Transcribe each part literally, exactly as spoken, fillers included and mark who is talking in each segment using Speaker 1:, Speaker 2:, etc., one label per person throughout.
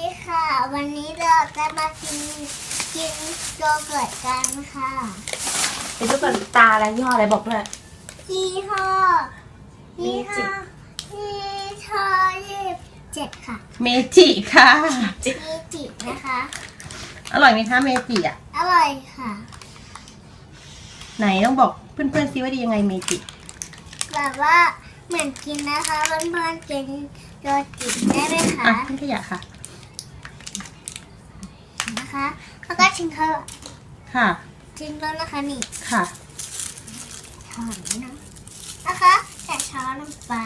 Speaker 1: ค่ะวันนี้เราจะมากินกินโยเกิร์ตกันค่ะ
Speaker 2: เป็นโยเกิร์ตตาอะไรยี่ห้ออะไรบอกด้วย
Speaker 1: ยี่ห้อยี่ห้อยี่ห้อยี่สิบเจ็ดค่ะ
Speaker 2: เมจิค่ะ
Speaker 1: เมจินะคะ
Speaker 2: อร่อยไหมคะเมจิอ่ะ
Speaker 1: อร่อยค่ะ
Speaker 2: ไหนต้องบอกเพื่อนๆซิว่าดียังไงเมจิ
Speaker 1: แบบว่าเหมือนกินนะคะเพื่อนๆกินโยเกิร์ตได้ไหมคะ
Speaker 2: อ่ะทิ้งขยะค่ะ
Speaker 1: นะคะแล้วก็ชิมเขา
Speaker 2: ค่ะ
Speaker 1: ชิมแล้วนะคะนี่
Speaker 2: ค่ะ
Speaker 1: ช้อนนะนะคะแกะช้อนลงไป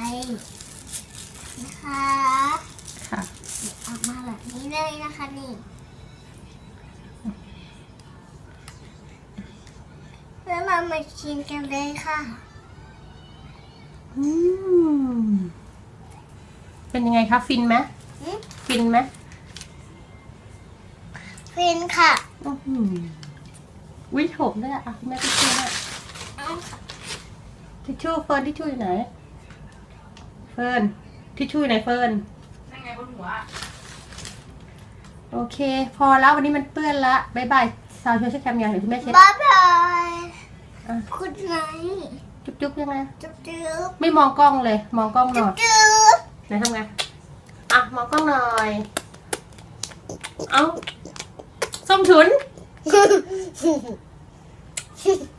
Speaker 1: นะคะ
Speaker 2: ค่ะ
Speaker 1: ออกมาแบบนี้เลยนะคะนี่แล้วเรามาชิมกันเลยค่ะ
Speaker 2: อืมเป็นยังไงคะฟินไหมฟินไหม
Speaker 1: ฟินค่ะ
Speaker 2: อือหือวิถมด้วยอ่ะคุณแม่ทิชชู่ด้วยทิชชู่เฟิร์นทิชชู่อยู่ไหนเฟิร์นทิชชู่อยู่ไหนเฟิร์นนั่งไงบนหัวโอเคพอแล้ววันนี้มันเปื้อนละบ๊ายบายสาวช่วยเช็ดแคมยังเดี๋ยวคุณแม่เช็ด
Speaker 1: บ๊ายบายคุณไน
Speaker 2: จุ๊บจุ๊บยังไง
Speaker 1: จุ๊บจุ๊บ
Speaker 2: ไม่มองกล้องเลยมองกล้องหน่อย
Speaker 1: จุ๊บ
Speaker 2: ไหนทำไงอ่ะมองกล้องหน่อยเอาส้มฉุน